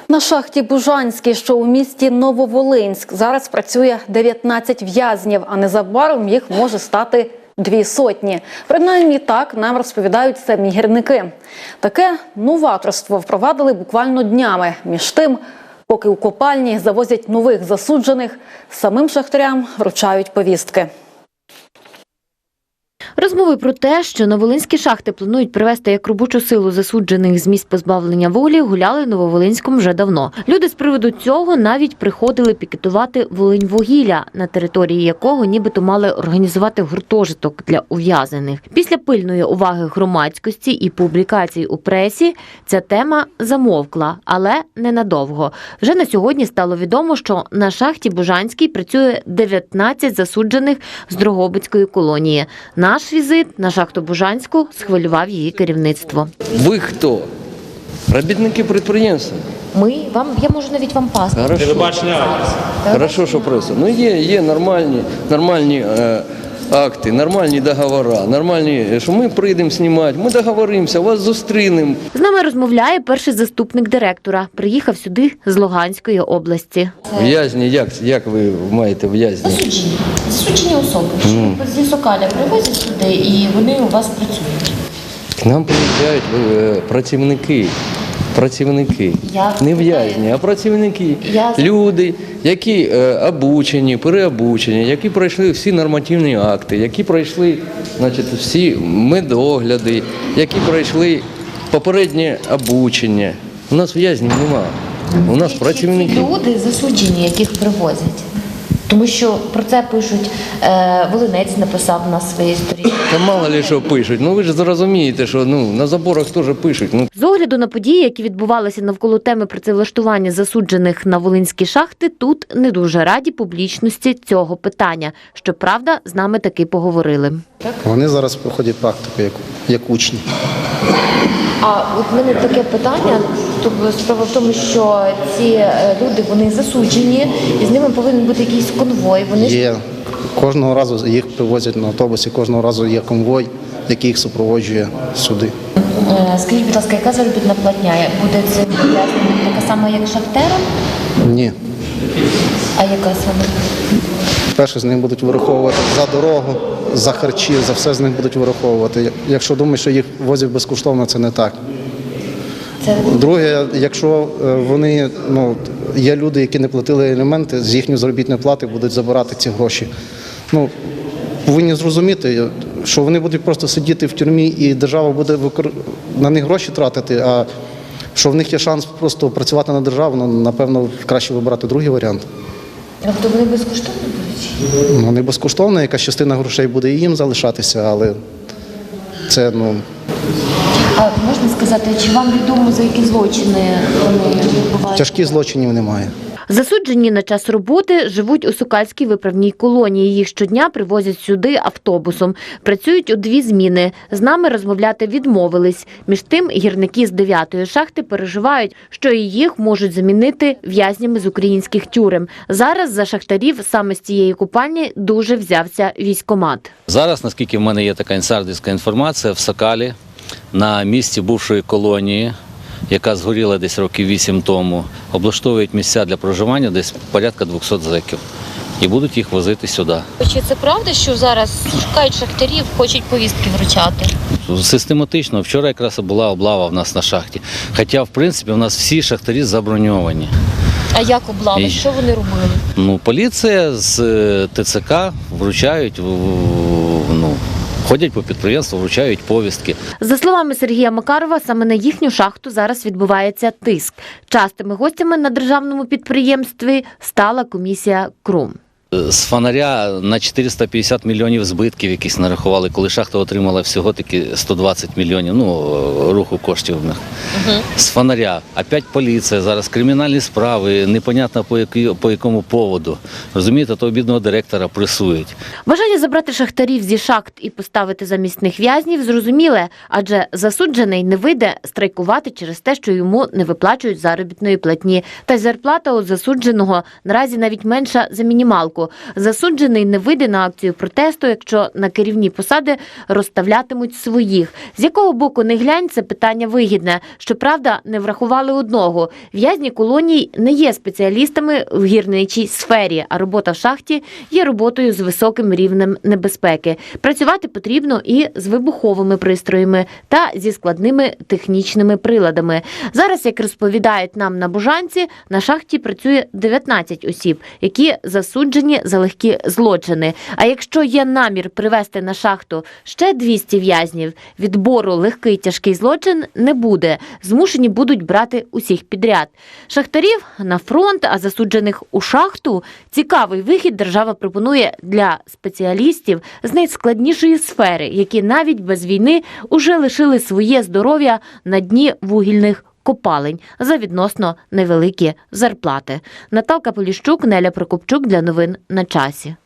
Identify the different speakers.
Speaker 1: На шахті Бужанській, що у місті Нововолинськ, зараз працює 19 в'язнів, а незабаром їх може стати 200. Принаймні так нам розповідають самі гірники. Таке новаторство впровадили буквально днями. Між тим, поки у копальні завозять нових засуджених, самим шахтарям вручають повістки.
Speaker 2: Розмови про те, що на волинські шахти планують привезти як робочу силу засуджених з місць позбавлення волі, гуляли в Нововолинському вже давно. Люди з приводу цього навіть приходили пікетувати Волиньвугілля, на території якого нібито мали організувати гуртожиток для ув'язнених. Після пильної уваги громадськості і публікацій у пресі ця тема замовкла, але ненадовго. Вже на сьогодні стало відомо, що на шахті Бужанській працює 19 засуджених з Дрогобицької колонії. Наш візит на шахту Бужанську схвилював її керівництво.
Speaker 3: Ви хто? Робітники підприємства.
Speaker 2: Я можу навіть вам паспорт.
Speaker 3: Хорошо, що преса. Ну є нормальні акти, нормальні договори, нормальні, що ми прийдемо знімати, ми договоримося, вас зустрінемо.
Speaker 2: З нами розмовляє перший заступник директора. Приїхав сюди з Луганської області.
Speaker 3: В'язні, як ви маєте в'язні?
Speaker 4: Засуджені особи. Зі Сокаля привозять сюди і вони у вас працюють.
Speaker 3: К нам приїжджають працівники. Не в'язні, а працівники. Люди, які обучені, переобучені, які пройшли всі нормативні акти, які пройшли всі медогляди, які пройшли попереднє обучення. У нас в'язнів немає, у нас працівники.
Speaker 4: Ці люди засуджені, яких привозять. Тому що про це пишуть, Волинець написав на своїй сторінці.
Speaker 3: Та мало ли що пишуть, ви ж зрозумієте, що на заборах теж пишуть.
Speaker 2: З огляду на події, які відбувалися навколо теми працевлаштування засуджених на волинські шахти, тут не дуже раді публічності цього питання. Щоправда, з нами таки поговорили.
Speaker 5: Вони зараз проходять практику як учні.
Speaker 4: А от в мене таке питання, справа в тому, що ці люди, вони засуджені, і з ними повинен бути якийсь конвой.
Speaker 5: Є. Кожного разу їх привозять на автобусі, кожного разу є конвой, який їх супроводжує сюди.
Speaker 4: Скажіть, будь ласка, яка заробітна платня? Буде це така сама, як шахтерам?
Speaker 5: Ні.
Speaker 4: А яка саме?
Speaker 5: Перше, з них будуть вираховувати за дорогу, за харчі, за все з них будуть вираховувати. Якщо думають, що їх возять безкоштовно, це не так. Друге, якщо вони, є люди, які не платили аліменти, з їхньої заробітної плати будуть забирати ці гроші. Повинні зрозуміти, що вони будуть просто сидіти в тюрмі і держава буде на них гроші тратити, а що в них є шанс просто працювати на державу, напевно, краще вибирати другий варіант.
Speaker 4: Тобто вони безкоштовно будуть?
Speaker 5: Не безкоштовно, якась частина грошей буде і їм залишатися, але це,
Speaker 4: А можна сказати, чи вам відомо, за які злочини вони відбувають?
Speaker 5: Тяжких злочинів немає.
Speaker 2: Засуджені на час роботи живуть у Сокальській виправній колонії. Їх щодня привозять сюди автобусом. Працюють у 2 зміни. З нами розмовляти відмовились. Між тим, гірники з 9-ї шахти переживають, що і їх можуть замінити в'язнями з українських тюрем. Зараз за шахтарів саме з цієї купальні дуже взявся військкомат.
Speaker 6: Зараз, наскільки в мене є така інсайдерська інформація, в Сокалі, на місці бувшої колонії, яка згоріла десь років 8 тому, облаштовують місця для проживання десь порядка 200 зеків. І будуть їх возити сюди.
Speaker 4: Чи це правда, що зараз шукають шахтарів, хочуть повістки вручати?
Speaker 6: Систематично. Вчора якраз була облава в нас на шахті. Хоча, в принципі, у нас всі шахтарі заброньовані.
Speaker 4: А як облава? Що вони робили?
Speaker 6: Поліція з ТЦК вручають, ходять по підприємству, вручають повістки.
Speaker 2: За словами Сергія Макарова, саме на їхню шахту зараз відбувається тиск. Частими гостями на державному підприємстві стала комісія КРУМ.
Speaker 6: З фонаря на 450 мільйонів збитків якісь нарахували, коли шахта отримала всього-таки 120 мільйонів, руху коштів в них. З фонаря. Опять поліція, зараз кримінальні справи, непонятно по якому поводу. Розумієте, то бідного директора пресують.
Speaker 2: Бажання забрати шахтарів зі шахт і поставити замість них в'язнів зрозуміле, адже засуджений не вийде страйкувати через те, що йому не виплачують заробітної платні. Та й зарплата у засудженого наразі навіть менша за мінімалку. Полтаву. Засуджений не вийде на акцію протесту, якщо на керівні посади розставлятимуть своїх. З якого боку не глянь, це питання вигідне. Щоправда, не врахували одного. В'язні колоній не є спеціалістами в гірничій сфері, а робота в шахті є роботою з високим рівнем небезпеки. Працювати потрібно і з вибуховими пристроями та зі складними технічними приладами. Зараз, як розповідають нам на Бужанці, на шахті працює 19 осіб, які засуджені за легкі злочини. А якщо є намір привезти на шахту ще 200 в'язнів, відбору легкий тяжкий злочин не буде. Змушені будуть брати усіх підряд. Шахтарів на фронт, а засуджених у шахту – цікавий вихід держава пропонує для спеціалістів з найскладнішої сфери, які навіть без війни уже лишили своє здоров'я на дні вугільних копалень за відносно невеликі зарплати. Наталка Поліщук, Неля Прокопчук для новин на часі.